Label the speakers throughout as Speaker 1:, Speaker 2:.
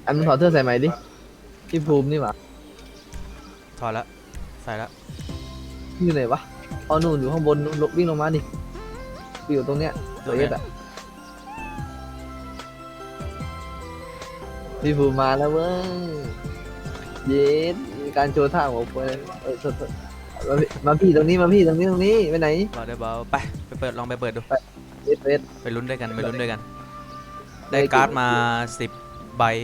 Speaker 1: อันมึงถอดเสื้อใส่ไหมดิพี่ภูมินี่หว่า
Speaker 2: ถอดแล้วใส่แล้ว
Speaker 1: อยู่ไหนวะเอาหนูอยู่ข้างบนนู่นวิ่งลงมาดิอยู่ตรงเนี้ยตัวเอสอะพี่ภูมิมาแล้วเว้ยเย็ดมีการโชว์ท่าของผมโทษมาพี่ตรงนี้มาพี่ตรงนี้ไปไหน
Speaker 2: เบาได้เบาไปเปิดลองไปเปิดดู
Speaker 1: เอส
Speaker 2: ไปลุ้นด้วยกันไปลุ้นด้วยกัน ได้การ์ดมา10 ใบ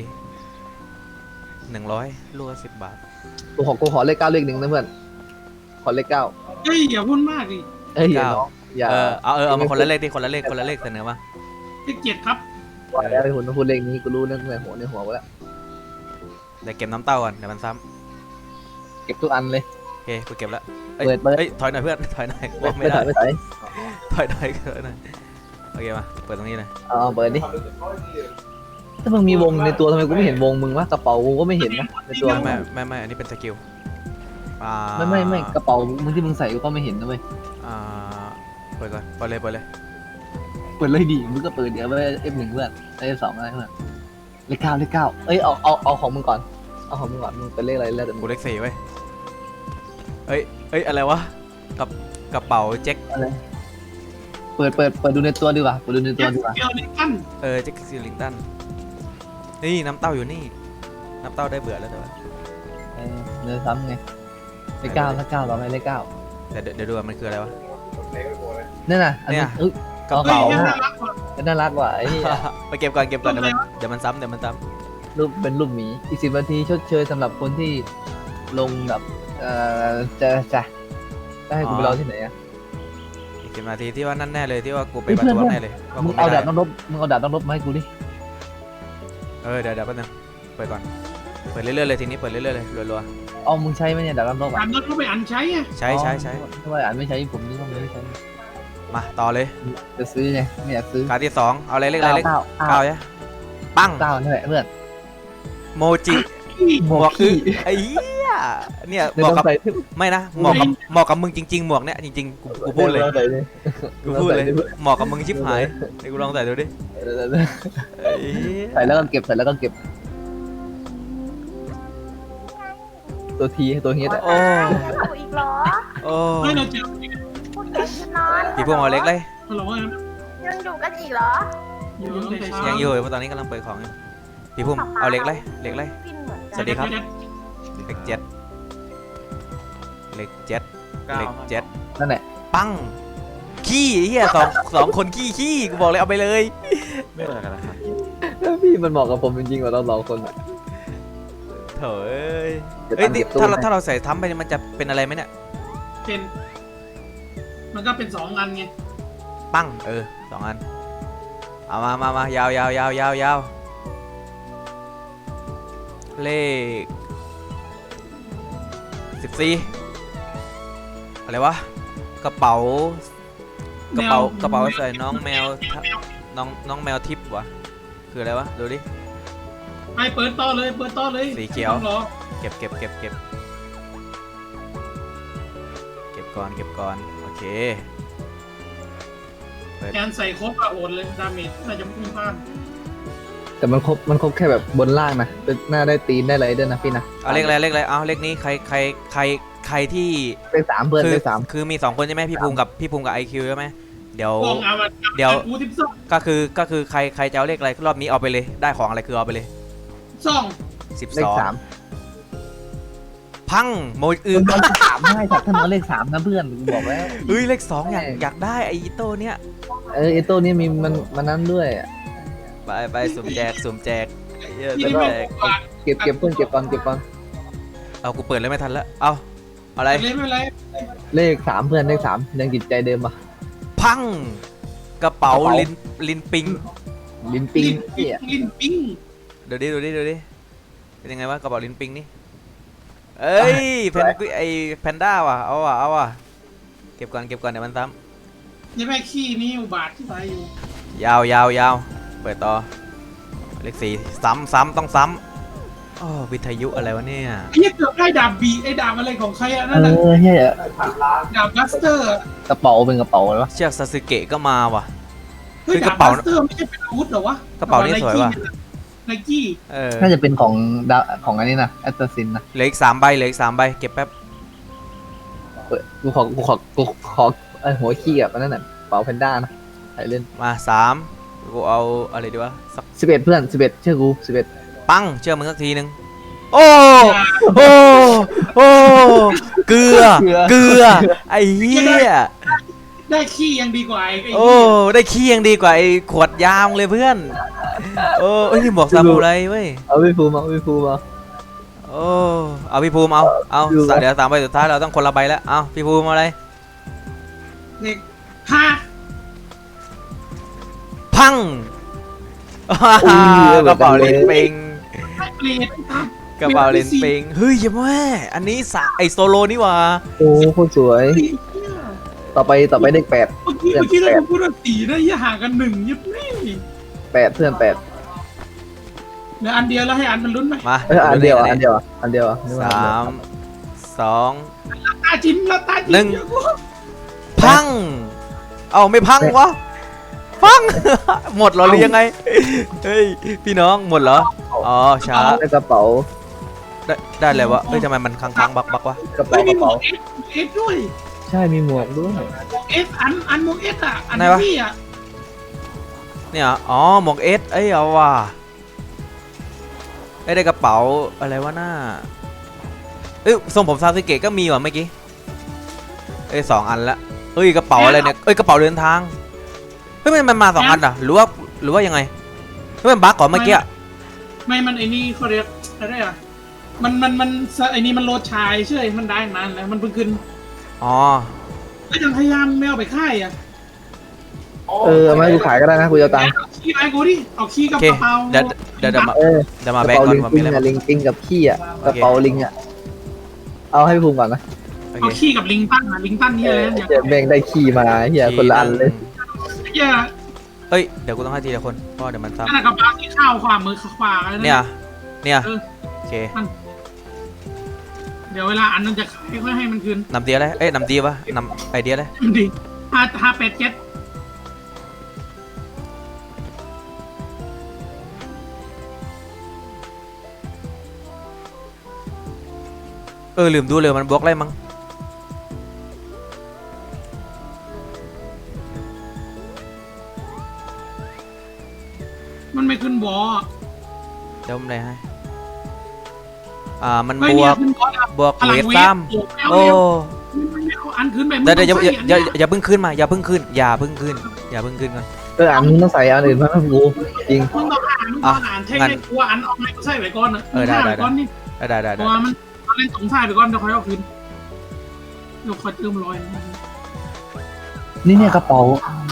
Speaker 2: 100รัว10 บาท
Speaker 1: กูขอเลข 9เลข 1นะเพื่อนขอเลข 9
Speaker 3: เฮ้ยอย่าพูดมากดิ
Speaker 1: เอ้ยอย่าน้องอย่า
Speaker 2: เอามาคนละเลขดิคนละเลขเสนอมา
Speaker 3: เลข7ครับ
Speaker 1: ว่าแล้วไอ้หุ่นต้องพูดเลขนี้กูรู้เรื่องในหัวกูแล้ว
Speaker 2: เดี๋ยวเก็บน้ำเต้าก่อนเดี๋ยวมันซ้
Speaker 1: เก็บทุกอันเลย
Speaker 2: ำโอเคกูเก็บแล้ว
Speaker 1: เปิด
Speaker 2: เอ้ยถอยหน่อยเพื่อนถอยหน่อย
Speaker 1: ไม่ถ่ายไม่ถ่าย
Speaker 2: ถอยหน่อยโอเคมาเปิดตรงนี้เลย
Speaker 1: เอาเปิดดิถ้ามึงมีวงในตัวทำไมกูไม่เห็นวงมึงวะกระเป๋ากูก็ไม่เห็นนะในตัวมึง
Speaker 2: ไม่อันนี้เป็นสกิล
Speaker 1: ไม่กระเป๋ามึงที่มึงใส่กูก็ไม่เห็นนะเว้ย
Speaker 2: เปิดก่อนเปิดเลย
Speaker 1: เปิดเลยดิมึงก็เปิดเดี๋ยวไปF1เพื่อนF2อะไรเพื่อนเลข 9เลข 9เอ้ยเอาของมึงก่อนเอาของมึงก่อนมึงเป็นเลขอะไรแล้วแต่มึ
Speaker 2: กู
Speaker 1: ง
Speaker 2: เลข4ไว้เอ้ยอะไรวะกระเป๋าแจ็ค
Speaker 1: เปิดดูในตัวดีกว่าเปิดดูในตัวดีกว่า
Speaker 3: เกี่ยวในกัน
Speaker 2: แจ็คซิลลิงตันนี่น้ำเต้าอยู่นี่น้ำเต้าได้เบื่อแล้วแต่ว่า
Speaker 1: เนื้อซ้ำไงเลข 9เลข 9เราไม่เลข 9
Speaker 2: เดี๋ยวดูว่ามันคืออะไรวะ
Speaker 1: นั่นน่ะอันนี้
Speaker 2: กระ
Speaker 3: เฮ้ย
Speaker 2: เป๋า
Speaker 3: น่ารักว่ะ
Speaker 1: น่ารักว่ะไอ้
Speaker 2: ไปเก็บก่อนเดี๋ยวมันซ้ำ
Speaker 1: รูปเป็นรูปหมีอีก10 นาทีชดเชยสำหรับคนที่ลงแบบจะได้ให้กูไปรอที่ไหนอะ
Speaker 2: อีก10 นาทีที่ว่านั่นแน่เลยที่ว่ากูไป
Speaker 1: เฮ้ย
Speaker 2: ประ
Speaker 1: เพื่อน
Speaker 2: ท้วงแน่เลยว่า
Speaker 1: มึ
Speaker 2: กู
Speaker 1: ง
Speaker 2: ไม่
Speaker 1: เอา
Speaker 2: ได้
Speaker 1: ดาบต้องรบมาให้กูดิ
Speaker 2: เดี๋ยวแป๊บนึงเปิดก่อนเปิดเรื่อยๆเลยทีนี้เปิดเรื่อยๆเลยรัว
Speaker 1: เอามึงใช้ไหมเนี่ยดาบต้องรบ
Speaker 3: การรถก็ไปอันใช้อ่ะ
Speaker 2: ๆใช้
Speaker 1: ทำไมอ่านไม่ใช้ผมนี่ต้องไม่ใช้
Speaker 2: มาต่อเลย
Speaker 1: จะซื้อไงไม่อยากซื้อ
Speaker 2: การที่2เอาอะไรเลขอะไรเลข
Speaker 1: เก้า
Speaker 2: เก้าใช่ปัง
Speaker 1: นั่นแหละเพื่อน
Speaker 2: โมจิหมวกคือไอ้เหี้ยเนี่ยเหมาะกับ
Speaker 1: ใส่
Speaker 2: ไม่นะเหมาะกับมึงจริงๆหมวกเนี่ยจริงๆกูพูดเลยกูพูดเลยเหมาะกับมึงชิบหายเดี๋ยวกูลองใส่ดูดิไอ้เหี้ย
Speaker 1: ใส่แล้วก็เก็บตัวทีตัวเฮด
Speaker 2: โอ้
Speaker 4: อยู่อีกเหรอ
Speaker 2: โอ้
Speaker 3: เฮ้ยเราเจอ
Speaker 4: พูดเก่งจะนอน
Speaker 2: พี่พวกเอาเล็กเลย
Speaker 3: ฮัลโหล
Speaker 4: ยังอยู่กันอีกเหรอ
Speaker 3: อยู่ตั้งแต่เช้า
Speaker 2: ยังอยู่เพราะตอนนี้กำลังเปิดของอยู่พี่พุ่มเอาเล็กเลยเล็กเลย
Speaker 4: ฟินเหมือน
Speaker 2: ส
Speaker 4: กั
Speaker 2: วัน สดีครับ เล็กเจ็ดเล็กเจ็ดเล็กเจ็ด
Speaker 1: นั่นแหละ
Speaker 2: ปังขี้ไอ้เหี้ยสองคนขี้กูบอกเลยเอาไปเลย
Speaker 5: ไม่เหมือนกันนะครับ
Speaker 1: พี่มันเหมาะกับผมจริงๆกว่าเรา2 คน
Speaker 2: เถอะเอ้ยนี่ถ้าเราใส่ทัมไปเนี่ยมันจะเป็นอะไรไหมเนี่ย
Speaker 3: เป็นมันก็เป็น2 อันไง
Speaker 2: ปัง2 อันเอามายาวเลข14อะไรวะกระเป๋าใส่น้องแมวน้องแมวทิพย์วะคืออะไรวะดูดิ
Speaker 3: ไปเปิดต่อเลย
Speaker 2: สีเขียว
Speaker 3: ต้องรอ
Speaker 2: เก็บก่อนโอเค
Speaker 3: แอนใส่ครบอะโอนเลยดาเมจน่าจะพุ่งพลาด
Speaker 1: แต่มันครบแค่แบบบนล่างนะหน้าได้ตีนได้อะไรด้วยนะพี่นะ
Speaker 2: เอาเลขอะไรเอาเลขนี้ใครที่
Speaker 1: เป็น3เพื่อนเป็น3
Speaker 2: คือมี2 คนใช่ไหมพี่ภูมิกับ IQ ใช่ไหมเดี๋ยว
Speaker 3: กองเอา
Speaker 2: เดี๋ยว
Speaker 3: กูทิปซ่อง
Speaker 2: ก็คือใครจะเอาเลขอะไรรอบนี้เอาไปเลยได้ของอะไรคือเอาไปเลย
Speaker 3: ซ่อง
Speaker 1: เลข 3
Speaker 2: พังโมอึ
Speaker 1: มันเลข3ให้ถ้ามันเอาเลข 3นะเพื่อนกูบอกแล้ว
Speaker 2: เฮ้ยเลข 2อยากได้ไอ้โต้เนี่ย
Speaker 1: ไอ้ตัวนี้มีมันนั้นด้วย
Speaker 2: ไปสุ่มแจกเยอะ
Speaker 3: ที่
Speaker 2: สุ่ม
Speaker 3: นี่
Speaker 2: แจก
Speaker 3: ไม่
Speaker 1: เก็บเพื่อนเก็บก่อน
Speaker 2: เอากูเปิดเลยไม่ทันแล้วเอาอะไร
Speaker 3: ไม่เป็นไร
Speaker 1: เลข 3เพื่อนเลข 3ยังจิตใจเดิมปะ
Speaker 2: พังกระเป๋าลินปิง
Speaker 1: ลิ้นปิงเหี้ย
Speaker 3: ลิ้นปิ้ง
Speaker 2: ดูดิเป็นยังไงวะกระเป๋าลินปิงนี่เอ้ยไอแพนด้าว่ะเอาว่ะเก็บก่อนเดี๋ยวมันซ้
Speaker 3: นี่แม่ขี้นี่อุบาทที่ไปอยู่
Speaker 2: ำยาวเปิดต่อเลข4ซ้ำต้องซ้ำอ๋อวิทยุอะไรวะเนี่ย
Speaker 3: ไอ้เหี้ยเกือบได้ดาบบีไอ้ดาบอะไรของใครอะนั่นน่ะ
Speaker 1: เฮีย
Speaker 3: ดาบบัสเตอร์อะ
Speaker 1: กระเป๋าเป็นกระเป๋าเลยวะ
Speaker 2: เชือกซาสึเกะก็มาว่ะ
Speaker 3: เฮ้ย
Speaker 2: คือก
Speaker 3: ดา
Speaker 2: ระ
Speaker 3: บ
Speaker 2: เป๋า
Speaker 3: บัสเตอร์ไม่ใช่เป็นอาวุธเหรอวะ
Speaker 2: กระเป๋านี่สวยว่ะ
Speaker 1: ก
Speaker 3: ไนกี้
Speaker 1: น่าจะเป็นของดาของอันนี้นะแอตตาซินนะ
Speaker 2: เหลืออีก3 ใบเหลืออีก3 ใบเก็บแป๊บ
Speaker 1: กูขอหัวขี้อ่ะมันนั่นน่ะเป๋าแพนด้านะใส่เล่น
Speaker 2: มา3กูเอาอะไรดีวะสัก
Speaker 1: 11เพื่อน11เชื่อกู11
Speaker 2: ปังเชื่อมึงสักทีนึงโอ้โอ้เกลือไอ้เหี้ย
Speaker 3: ได้ขี้ยังดีกว่าไอ้
Speaker 2: โอ้ได้ขี้ยังดีกว่าไอ้ขวดยามเลยเพื่อนโอ้เอ้ยนี่หมวกซามูไรเว้ย
Speaker 1: เอาพี่ภูมิมา
Speaker 2: โอ้เอาพี่ภูมิเอา
Speaker 1: ดูนะ
Speaker 2: เดี๋ยว3 ใบสุดท้ายเราต้องคนละใบแล้วเอาพี่ภูมิเอาอะไร
Speaker 3: เด็กห้า
Speaker 2: พังกระเป๋าเลนปิง
Speaker 3: เปลี่ยน
Speaker 2: กระเป๋าเลนปิงเฮ้ยอย่าแม่อันนี้ไอโซโลนี่หว่า
Speaker 1: โอ้โคตรสวยต่อไปเลข8
Speaker 3: เมื่อกี้เราพูดว่าสีได้ยี่ห่างกัน1ยังไม่
Speaker 1: 8เพื่อน8
Speaker 3: เดี๋ยวอันเดียวแล้วให้อันมันลุ้นไหม
Speaker 2: มา
Speaker 1: อันเดียวนึกว่
Speaker 2: 3 2
Speaker 3: ตาจิ้มแล้วตาจิ้ม
Speaker 2: พังเอาไม่พังวะพัง หมดเหรอหรือยังไงเฮ้ยพี่น้องหมดเหรออ๋อช้า
Speaker 1: ได้กระเป๋า
Speaker 2: ได้เลยวะเฮ้ยทำไมมันค้างบักวะ
Speaker 1: กระ
Speaker 3: ไม่มีหม
Speaker 1: เป๋าว
Speaker 3: กเอสด้วย
Speaker 1: ใช่มีหมวกด้วย
Speaker 3: เอสอันหมวกเอสอ่ะอันนี้อ่ะ
Speaker 2: เนี่ยอ๋อหมวกเอสเอ้ยเอาว่ะได้กระเป๋าอะไรวะหน้าเอ้ยทรงผมซาสึเกะก็มีว่ะเมื่อกี้เอ้ย2 อันละเอ้ยกระเป๋าอะไรเนี่ยเอ้ยกระเป๋าเดินทางเฮ้ยมันมา2 อันอ่ะหรือว่ายังไงเฮ้ยมันบั๊กก่อนเมื่อกี้
Speaker 3: ไม่มันไอ้นี่เขาเรียกอะไรอ่ะมันไอ้นี่มันโลดชายเชื่อมันได้นานแล้วมันเพิ่งขึ้น
Speaker 2: อ๋อ
Speaker 3: ก็ยังพยายามไม่เอาไปค่ายอ่ะ
Speaker 1: เอามาให้กูขายก็ได้นะกูจะเอาตังค์
Speaker 3: เอาขี้ไอ้กูดิเอาขี้กับ
Speaker 2: โอเค
Speaker 3: กระเป๋า
Speaker 2: เดี๋ยวมา
Speaker 1: เออ
Speaker 2: เดี๋ยวมาก
Speaker 1: ระ
Speaker 2: แบก
Speaker 1: เป๋า
Speaker 2: ก่อน
Speaker 1: ลิง
Speaker 2: ว่า
Speaker 1: ปิ
Speaker 2: มี
Speaker 1: ง
Speaker 2: อะไร
Speaker 1: อะ
Speaker 2: บ้าง
Speaker 1: ลิงปิงกับขี้อะ
Speaker 2: โอเค
Speaker 1: กระเป๋าลิงอะเอาให้ภูมิก่อนนะ
Speaker 2: โอเค
Speaker 3: เอาขี้กับลิงตั้นลิงตั้นนี่อะไรเนี่ย
Speaker 1: เดี๋ยวแม่งได้ขี้มาเฮียคนละอันเลย
Speaker 3: เหี้ย
Speaker 2: เอ้ยเดี๋ยวกูต้องให้ทีละคนเพราะเดี๋ยวมันซ้
Speaker 3: นั่นนะกระเป๋าที่ข้าวขวามือขวาอะไร
Speaker 2: ำเนี่ย
Speaker 3: เออ
Speaker 2: โอเค
Speaker 3: เดี๋ยวเวลาอันนั้นจะขายก็ให้มันคืน
Speaker 2: นำเดียอะไรเอ้ยนำเดียวะนำไอเดียอะไร
Speaker 3: มันดี587
Speaker 2: ลืมดูเลยมันบวกอะไรมั้ง
Speaker 3: มันไม่ขึ้นวอ
Speaker 2: เดี๋ยวผมอะไรให้มัน
Speaker 3: ไม่
Speaker 2: บ
Speaker 3: เนี่
Speaker 2: วย ก
Speaker 3: ขึ้นวอ
Speaker 2: บวก
Speaker 3: พลั
Speaker 2: เว
Speaker 3: ง
Speaker 2: ท
Speaker 3: เว
Speaker 2: ซ้
Speaker 3: ท
Speaker 2: ำโอ้
Speaker 3: เอาอันขึ้นไป
Speaker 2: เดี๋ยวอย่าเพิ่งขึ้นมาอย่าเพิ่งขึ้นก่อน
Speaker 1: อันมึงต้องใส่อันอื่นมาให้กูจริง
Speaker 3: มึงต้องอ่านใช่ไหมกลัวอันออกไม่ใช่ไปก่อนนะ
Speaker 2: ได้
Speaker 3: ก่อนนี่
Speaker 2: ได้
Speaker 3: เพราะว่ามันเล่นสงสัยไปก่อนเดี๋ยวค่อยเอาคืนเดี๋ยวค่อยเติมร้อย
Speaker 1: นี่เนี่ยกระเป๋า